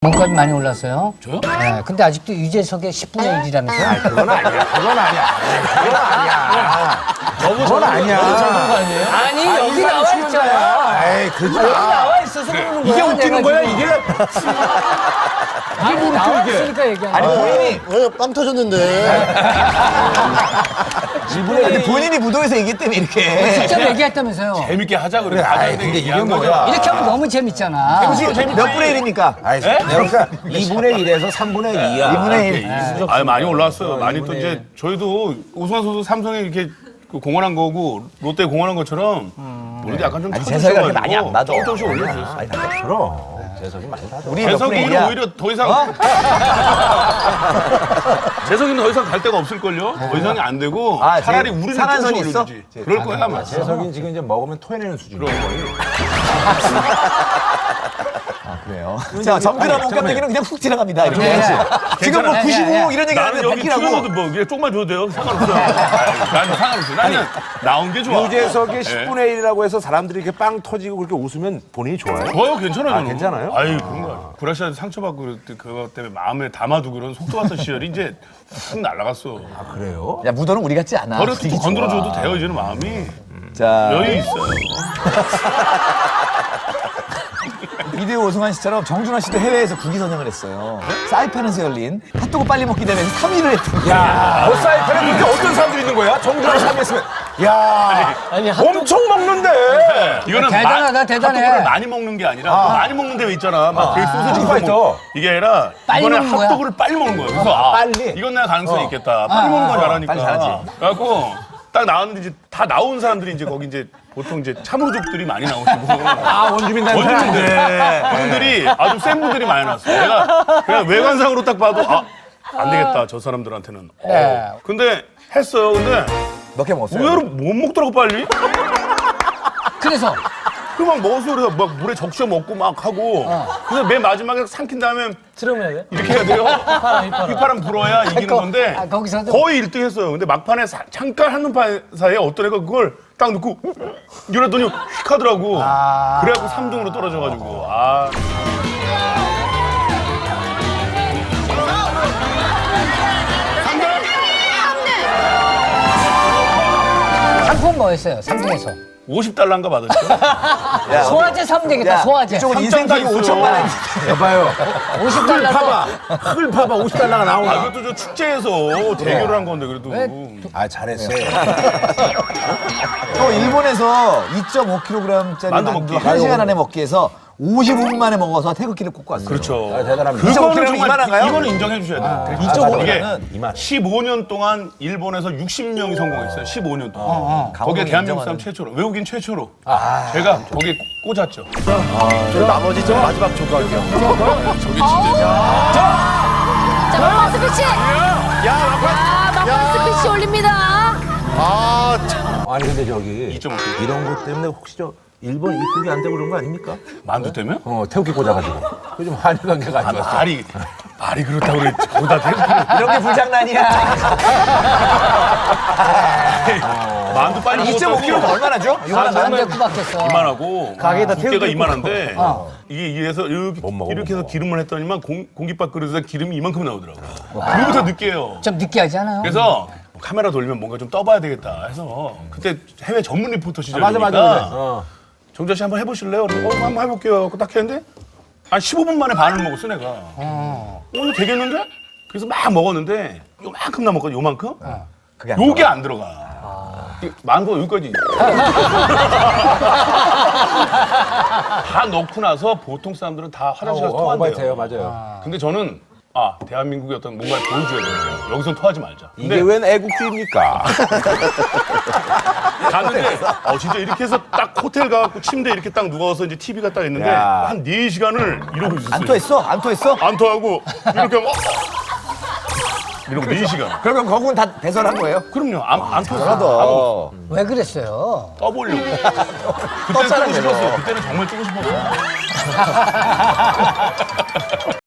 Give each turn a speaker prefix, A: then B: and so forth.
A: 몸값이 많이 올랐어요.
B: 저요?
A: 네, 근데 아직도 유재석의 10분의 1이라면서요?
C: 그건 아니야. 그건 아니야. 그건 아니야. 그건 아니야.
A: 아니, 여기 나와 있잖아.
C: 에이, 그지
A: 여기
C: 마.
A: 나와 있어서 그러는 거야.
C: 이게 웃기는 거야, 이게?
A: 아니, 나와 있으니까 얘기하는
C: 아니,
A: 거야.
C: 본인이.
D: 왜 빵 터졌는데?
C: 근데 본인이 무도에서 얘기 때문에 이렇게.
A: 직접 얘기했다면서요.
B: 재밌게 하자 그래.
C: 아이, 근데 이게 뭐야.
A: 이렇게 하면 너무 재밌잖아.
C: 몇 분의 1입니까? 그러니까 2분의 1에서 3분의 2야. 2분의 1.
B: 아 많이 올라왔어요. 많이 또 이제 저희도 오승환 선수 삼성에 이렇게 그 공헌한 거고 롯데 공헌한 것처럼 우리도 약간 좀
C: 재석이가 그렇게 많이 안 받아.
B: 조금씩 올려주셨어요.
C: 아니, 그럼. 재석이 많이 받아. 우리
B: 재석이는 오히려 더 이상 재석이는 더 이상 갈 데가 없을걸요? 더 이상이 안 되고 차라리 우리는
C: 상한선이
B: 조금씩
C: 있어?
B: 올려주지. 그럴 거야 아마.
E: 재석이는 지금 이제 먹으면 토해내는 수준이에요.
C: 그래요. 자, 정준하 몸값 얘기는 그냥 훅 지나갑니다. 이렇게.
A: 네.
C: 지금 뭐
A: 괜찮아요.
C: 95 이런 얘기
B: 나는
C: 하는데
B: 여기
C: 100이라고.
B: 튀어나도 뭐 그냥 조금만 줘도 돼요. 상관없어. 나는 상관없어. 나는 나온 게 좋아.
E: 유재석의 10분의 1이라고 해서 사람들이 이렇게 빵 터지고 그렇게 웃으면 본인이 좋아요?
B: 좋아요, 괜찮아요. 저는.
E: 괜찮아요?
B: 아유, 그런 거 아니에요. 구라시한테 상처받고 그럴 때 그것 때문에 마음에 담아두고 그런 속도 같은 시절이 이제 훅 날아갔어.
E: 그래요?
C: 야, 무도는 우리 같지 않아.
B: 버려
C: 분위기
B: 또 건드려줘도
C: 좋아.
B: 돼요, 이제는 마음이.
C: 자,
B: 여유 있어요.
C: 비디오 오승환 씨처럼 정준하 씨도 해외에서 국위 선양을 했어요. 사이판에서 열린 핫도그 빨리 먹기 대회에서 3위를 했던
E: 야, 사이판에 그렇게 어떤 사람들이 있는 거야? 정준하 씨 했으면. 야, 엄청 먹는데.
B: 이거는
A: 대단하다, 대단해.
B: 핫도그를 많이 먹는 게 아니라 많이 먹는 데왜 있잖아. 막 되게 소세지
E: 파이터.
B: 이게 아니라
A: 빨리
B: 이번에
A: 먹는 거야?
B: 핫도그를 빨리 먹는 거예요. 그래서
E: 빨리?
B: 이건 내가 가능성이 있겠다. 빨리 먹는 건 잘하니까.
C: 빨리 잘하지.
B: 그래갖고 딱 나왔는데 이제 다 나온 사람들이 이제 거기 이제 보통 이제 참으로족들이 많이 나오시고.
E: 원주민 단체.
B: 원주민들 분들이 아주 센 분들이 많이 나왔어요. 내가 그냥 외관상으로 딱 봐도 안 되겠다 저 사람들한테는.
A: 네.
B: 근데 했어요. 근데
C: 몇 개 먹었어요?
B: 의외로 못 먹더라고 빨리.
A: 그래서
B: 막 먹었어. 그래서 막 물에 적셔 먹고 막 하고. 그래서 맨 마지막에 삼킨 다음에
A: 들으면 해야 돼?
B: 이렇게 해야 돼요. 휘파람 불어야 이기는 건데
A: 거기서도
B: 거의 1등 했어요. 근데 막판에 잠깐 한눈판 사이에 어떤 애가 그걸 딱 넣고 이러더니 휙 하더라고. 그래갖고 3등으로 떨어져가지고.
A: 상품 뭐였어요? 3등에서.
B: 50달러인가 받았죠.
A: 소화제 사면 되겠다, 소화제.
C: 이쪽은 인생 가격 5천만 원.
E: 봐봐요.
A: 50달러.
E: 봐봐. 흙을 봐봐. 50달러가 나오나.
B: 그것도 저 축제에서 대결을 한 건데 그래도.
E: 아, 잘했어.
C: 또 일본에서 2.5kg짜리
B: 만두
C: 만두
B: 먹기.
C: 1시간 안에 먹기에서 55분 만에 먹어서 태극기를 꽂고 왔어요.
B: 그렇죠.
E: 대단합니다.
C: 그거는 정말 이만한가요?
B: 이거는 인정해 주셔야 돼요.
C: 2.5kg는
B: 이게 15년 동안 일본에서 60명이 성공했어요. 15년 동안. 거기에
C: 강호동이
B: 대한민국
C: 인정하는.
B: 사람 최초로, 외국인 최초로. 제가 거기에 꽂았죠.
D: 저 나머지 저 마지막 조각이요.
F: 자, 막판 스피치! 막판 스피치 올립니다.
D: 아, 참.
E: 아니, 근데 저기
B: 2.5kg.
E: 이런 것 때문에 혹시 저 일본 입국이 안 되고 그런 거 아닙니까?
B: 만두 때문에?
E: 태극기 꽂아가지고. 그 좀 한일 관계가 안 좋았어.
B: 말이 그렇다고 그랬지. 거기다 대고
C: 이런 게 불장난이야.
B: 만두 빨리
C: 2.5kg가 얼마나죠?
A: 만두에 구박했어.
B: 이만하고
C: 가게에다
B: 두께가
C: 태우고
B: 이만한데 이게 해서 이렇게 해서 기름을 했더니만 공깃밥 그릇에다 기름이 이만큼 나오더라고. 그거부터 느끼해요.
A: 좀 느끼하지 않아요?
B: 그래서 카메라 돌리면 뭔가 좀 떠봐야 되겠다 해서 그때 해외 전문 리포터
E: 맞아,
B: 시절이니까
E: 맞아.
B: 정자 씨 한번 해보실래요? 그래서 한번 해볼게요. 딱 했는데 한 15분 만에 반을 먹었어 내가. 이거 되겠는데? 그래서 막 먹었는데 요만큼 남았거든. 요만큼?
C: 그게 안
B: 요게 안 들어가. 만두가 여기까지. 다 넣고 나서 보통 사람들은 다 화장실 가서
E: 오바이트예요,
B: 토한대요.
E: 맞아요.
B: 근데 저는 대한민국의 어떤 뭔가를 보여줘야 돼요. 여기선 토하지 말자.
E: 이게 웬 애국주의입니까?
B: 갔는데 진짜 이렇게 해서 딱 호텔 가갖고 침대 이렇게 딱 누워서 이제 TV가 딱 있는데
E: 야.
B: 한 4시간을 이러고 있었어요.
C: 안 토했어? 안 토했어?
B: 안 토하고 이렇게 하고 이러고 4시간.
C: 그러면 거국은 다 배설한 거예요?
B: 그럼요. 안 토했어.
A: 왜 그랬어요?
B: 떠보려고. 그때는 뜨고 싶었어요. 그때는 정말 뜨고 싶었어요.